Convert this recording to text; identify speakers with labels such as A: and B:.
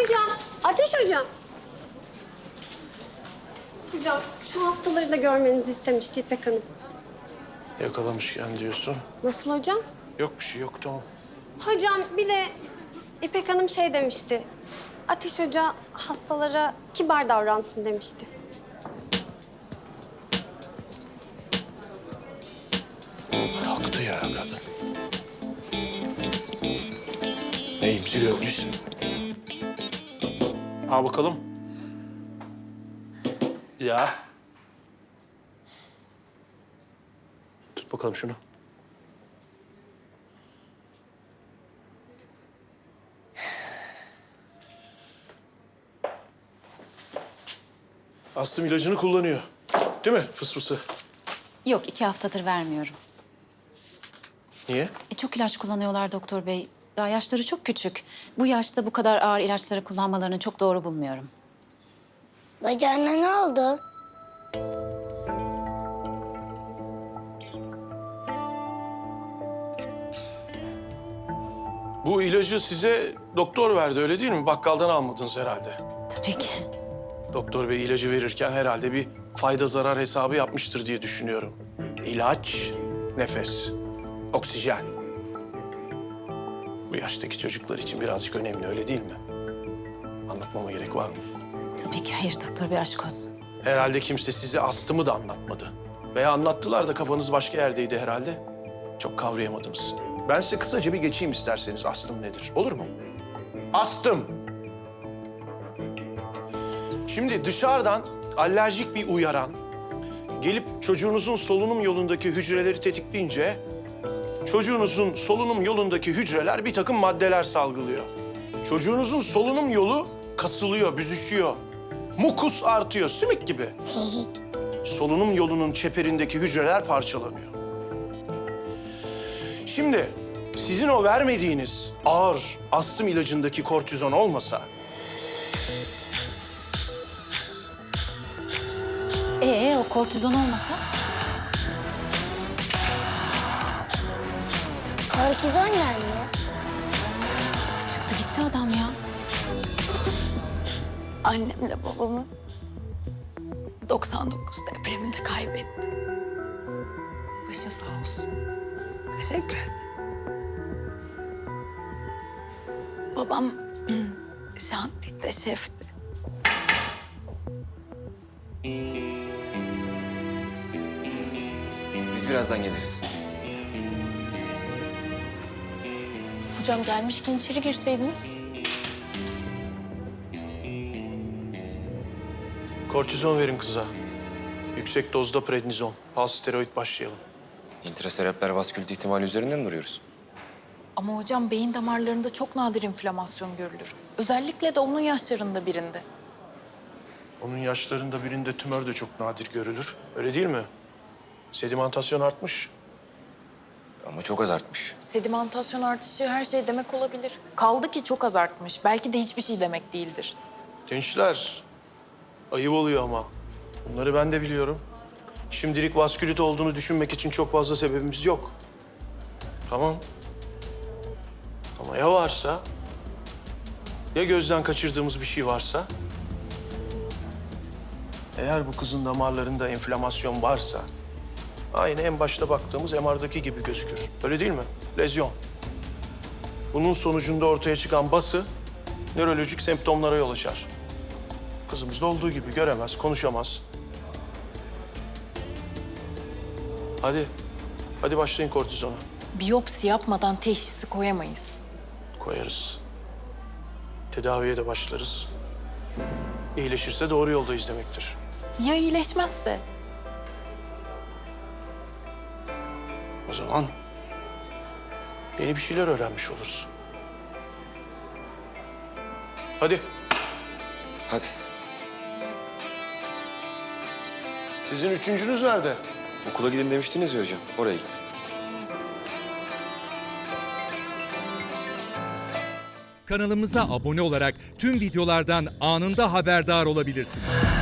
A: Hocam, Ateş hocam. Hocam, şu hastaları da görmenizi istemişti İpek Hanım.
B: Yakalamışken diyorsun.
A: Nasıl hocam?
B: Yok bir şey yok, tamam.
A: Hocam bir de İpek Hanım şey demişti. Ateş Hoca hastalara kibar davransın demişti.
B: Kalktı ya kadın. Neyimizi görmüş? Al bakalım. Ya. Tut bakalım şunu. Aslım ilacını kullanıyor. Değil mi fısfısı?
C: Yok, 2 haftadır vermiyorum.
B: Niye?
C: Çok ilaç kullanıyorlar doktor bey. Daha yaşları çok küçük. Bu yaşta bu kadar ağır ilaçları kullanmalarını çok doğru bulmuyorum.
D: Bacağına ne oldu?
B: Bu ilacı size doktor verdi, öyle değil mi? Bakkaldan almadınız herhalde.
C: Tabii ki.
B: Doktor bey ilacı verirken herhalde bir fayda zarar hesabı yapmıştır diye düşünüyorum. İlaç, nefes, oksijen. Bu yaştaki çocuklar için birazcık önemli, öyle değil mi? Anlatmama gerek var mı?
C: Tabii ki hayır doktor bey, aşk olsun.
B: Herhalde kimse size astımı da anlatmadı. Veya anlattılar da kafanız başka yerdeydi herhalde. Çok kavrayamadınız. Ben size kısaca bir geçeyim isterseniz astım nedir, olur mu? Astım. Şimdi dışarıdan alerjik bir uyaran gelip çocuğunuzun solunum yolundaki hücreleri tetikleyince çocuğunuzun solunum yolundaki hücreler bir takım maddeler salgılıyor. Çocuğunuzun solunum yolu kasılıyor, büzüşüyor. Mukus artıyor, sümük gibi. Solunum yolunun çeperindeki hücreler parçalanıyor. Şimdi sizin o vermediğiniz ağır astım ilacındaki kortizon olmasa
C: O kortizon olmasa?
D: Kortizon nerede?
C: Çıktı gitti adam ya.
E: Annemle babamı 99 depreminde kaybettim. Başı sağ olsun. Teşekkür ederim. Babam şantiyede şefti.
F: Biz birazdan geliriz.
E: Hocam gelmişken içeri girseydiniz.
B: kortizon verin kıza. Yüksek dozda prednizon. Palsteroid başlayalım.
F: İntraserebral vaskülit ihtimali üzerinden mi duruyoruz?
G: Ama hocam beyin damarlarında çok nadir inflamasyon görülür. Özellikle de onun yaşlarında birinde.
B: Onun yaşlarında birinde tümör de çok nadir görülür. Öyle değil mi? Sedimentasyon artmış.
F: Ama çok az artmış.
G: Sedimentasyon artışı her şey demek olabilir. Kaldı ki çok az artmış. Belki de hiçbir şey demek değildir.
B: Gençler, ayıp oluyor ama. Bunları ben de biliyorum. Şimdilik vaskülit olduğunu düşünmek için çok fazla sebebimiz yok. Tamam. Ama ya varsa? Ya gözden kaçırdığımız bir şey varsa? Eğer bu kızın damarlarında enflamasyon varsa... aynı en başta baktığımız MR'daki gibi gözükür. Öyle değil mi? Lezyon. Bunun sonucunda ortaya çıkan bası nörolojik semptomlara yol açar. Kızımızda olduğu gibi göremez, konuşamaz. Hadi. Hadi başlayın kortizona.
G: Biyopsi yapmadan teşhisi koyamayız.
B: Koyarız. Tedaviye de başlarız. İyileşirse doğru yoldayız demektir.
G: Ya iyileşmezse?
B: O zaman yeni bir şeyler öğrenmiş oluruz. Hadi.
F: Hadi.
B: Sizin üçüncünüz nerede?
F: Okula gidin demiştiniz ya hocam. Oraya gitti.
H: Kanalımıza abone olarak tüm videolardan anında haberdar olabilirsiniz.